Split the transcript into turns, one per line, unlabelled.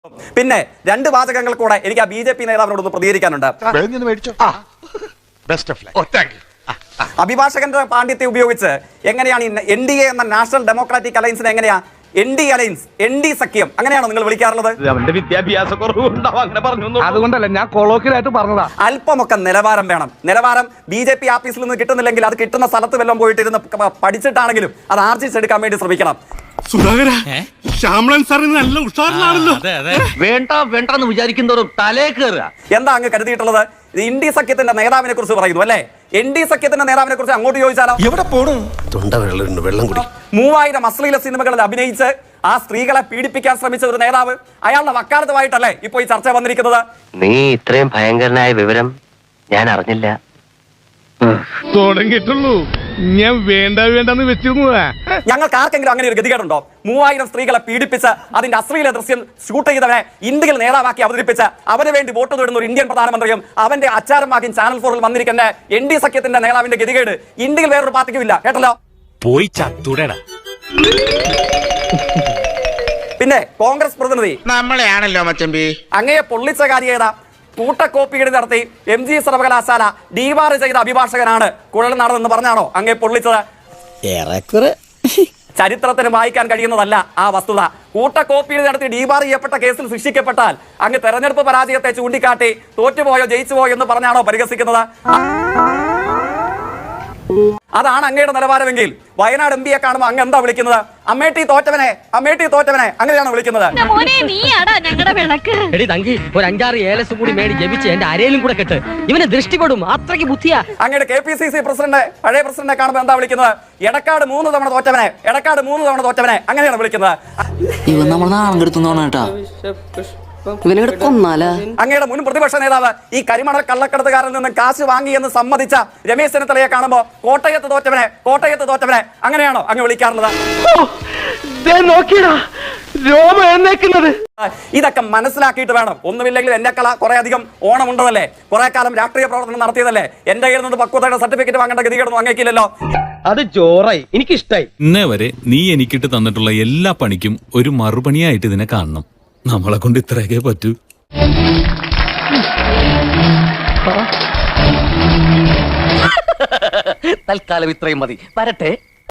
പിന്നെ രണ്ട് വാചകങ്ങൾ കൂടെ എനിക്ക് ആ ബി.ജെ.പി. നേതാവിനോടൊന്ന് പ്രതികരിക്കാനുണ്ട്. അഭിഭാഷകന്റെ പാണ്ഡിത്യം ഉപയോഗിച്ച് എങ്ങനെയാണ് NDA എന്ന നാഷണൽ ഡെമോക്രാറ്റിക് അലയൻസിനെ എങ്ങനെയാ ND അലയൻസ് ND സഖ്യം അങ്ങനെയാണോ നിങ്ങൾ വിളിക്കാറുള്ളത്?
അവന്റെ വിദ്യാഭ്യാസ കുറവുണ്ടാവും അങ്ങനെ പറഞ്ഞു. അതുകൊണ്ടല്ല ഞാൻ കൊളോക്കിലായിട്ട് പറഞ്ഞതാ.
അല്പമൊക്കെ നിലവാരം വേണം. നിലവാരം BJP ആഫീസിൽ നിന്ന് കിട്ടുന്നില്ലെങ്കിൽ അത് കിട്ടുന്ന സ്ഥലത്ത് വല്ലതും പോയിട്ട് ഇരുന്ന് പഠിച്ചിട്ടാണെങ്കിലും അത് ആർജിച്ചെടുക്കാൻ വേണ്ടി ശ്രമിക്കണം.
ശ്യാമളൻ സാറിന് നല്ല ഉഷാറിലാണല്ലോ.
വേണ്ട വേണ്ടെന്ന് വിചാരിക്കുന്നവരും തലേ കയറുക.
എന്താ അങ്ങ് കരുതിയിട്ടുള്ളത്? ND സഖ്യത്തിന്റെ നേതാവിനെ കുറിച്ച് പറയുന്നു അല്ലേ? ND സഖ്യത്തിന്റെ നേതാവിനെ കുറിച്ച് അങ്ങോട്ട് ചോദിച്ചാലോ?
എവിടെ പോണു?
3000 അശ്ലീല സിനിമകളിൽ അഭിനയിച്ച് ആ സ്ത്രീകളെ പീഡിപ്പിക്കാൻ ശ്രമിച്ച ഒരു നേതാവ് അയാളുടെ വക്കാലത്തുമായിട്ടല്ലേ ഇപ്പൊ ഈ ചർച്ച വന്നിരിക്കുന്നത്?
നീ ഇത്രയും ഭയങ്കരനായ വിവരം ഞാൻ അറിഞ്ഞില്ല.
തുടങ്ങിയിട്ടുള്ളൂ. ഞാൻ വേണ്ടെന്ന് വെച്ചിരുന്നതാ.
ഞങ്ങൾക്ക് ആർക്കെങ്കിലും അങ്ങനെ ഒരു ഗതികേടുണ്ടോ? 3000 സ്ത്രീകളെ പീഡിപ്പിച്ച് അതിന്റെ അശ്ലീല ദൃശ്യം ഷൂട്ട് ചെയ്തവനെ ഇന്ത്യയിൽ നേതാവാക്കി അവതരിപ്പിച്ച് അവന് വേണ്ടി വോട്ട് തേടുന്ന ഒരു ഇന്ത്യൻ പ്രധാനമന്ത്രിയും അവന്റെ അച്ചാരമാക്കി ചാനൽ 4-ൽ വന്നിരിക്കുന്ന ND സഖ്യത്തിന്റെ നേതാവിന്റെ ഗതികേട് ഇന്ത്യയിൽ വേറൊരു പാർട്ടിക്കും ഇല്ല. കേട്ടല്ലോ?
പോയി ചത്തുടേടാ.
പിന്നെ കോൺഗ്രസ് പ്രതിനിധി
നമ്മളെയാണല്ലോ മച്ചമ്പി
അങ്ങയെ പൊള്ളിച്ച കാര്യം ഏതാ? കൂട്ടക്കോപ്പിയുടെ നടത്തി MG സർവകലാശാല ഡീവാർ ചെയ്ത അഭിഭാഷകനാണ് കുഴൽനാടൻ എന്ന് പറഞ്ഞാണോ അങ്ങേ പൊള്ളിച്ചത്? ചരിത്രത്തിന് വായിക്കാൻ കഴിയുന്നതല്ല ആ വസ്തുത. കൂട്ടക്കോപ്പിയിൽ നടത്തി ഡീബാർ ചെയ്യപ്പെട്ട കേസിൽ ശിക്ഷിക്കപ്പെട്ടാൽ അങ്ങ് തെരഞ്ഞെടുപ്പ് പരാജയത്തെ ചൂണ്ടിക്കാട്ടി തോറ്റുപോയോ ജയിച്ചുപോയോ എന്ന് പറഞ്ഞാണോ പരിഹസിക്കുന്നത്? അതാണ് അങ്ങയുടെ നിലവാരമെങ്കിൽ വയനാട് MP കാണുമ്പോൾ അങ്ങ് എന്താ വിളിക്കുന്നത്? അമ്മേട്ടി തോറ്റവനെ, അമ്മേട്ടി തോറ്റവനെ അങ്ങനെയാണോ വിളിക്കുന്നത്?
ഒരു 5-6 ഏലസും കൂടി മേടി ജപിച്ച് എന്റെ അരയിലും കൂടെ കെട്ട് ഇവനെ ദൃഷ്ടിപ്പെടും. അത്രയ്ക്ക് ബുദ്ധിയാ.
അങ്ങയുടെ KPCC പ്രസിഡന്റ് പഴയ പ്രസിഡന്റിനെ കാണുമ്പോൾ എന്താ വിളിക്കുന്നത്? എടക്കാട് 3 തവണ തോറ്റവനെ, എടക്കാട് 3 തവണ തോറ്റവനെ അങ്ങനെയാണ് വിളിക്കുന്നത്. അങ്ങയുടെ മുൻ പ്രതിപക്ഷ നേതാവ് ഈ കരിമണൽ കള്ളക്കടത്തുകാരിൽ നിന്ന് കാശ് വാങ്ങി എന്ന് സമ്മതിച്ച രമേശ് ചെന്നിത്തലയെ കാണുമ്പോ കോട്ടയത്ത് തോറ്റവനെ, കോട്ടയത്ത് തോറ്റവനെ അങ്ങനെയാണോ അങ്ങ് വിളിക്കാറുള്ളത്? ഇതൊക്കെ മനസ്സിലാക്കിയിട്ട് വേണം. ഒന്നുമില്ലെങ്കിൽ എന്നെക്കള കുറെ അധികം ഓണമുണ്ടതല്ലേ, കുറെ കാലം രാഷ്ട്രീയ പ്രവർത്തനം നടത്തിയതല്ലേ, എന്റെ കയ്യിൽ നിന്ന് പക്വതയുടെ സർട്ടിഫിക്കറ്റ് വാങ്ങേണ്ട ഗതികേടൊന്നും അങ്ങേക്കില്ലല്ലോ.
അത് ചോറായി, എനിക്കിഷ്ടായി.
ഇന്നേ വരെ നീ എനിക്കിട്ട് തന്നിട്ടുള്ള എല്ലാ പണിക്കും ഒരു മറുപണിയായിട്ട് ഇതിനെ കാണണം. നമ്മളെ കൊണ്ട് ഇത്രയൊക്കെ പറ്റൂ.
തൽക്കാലം ഇത്രയും മതി. വരട്ടെ.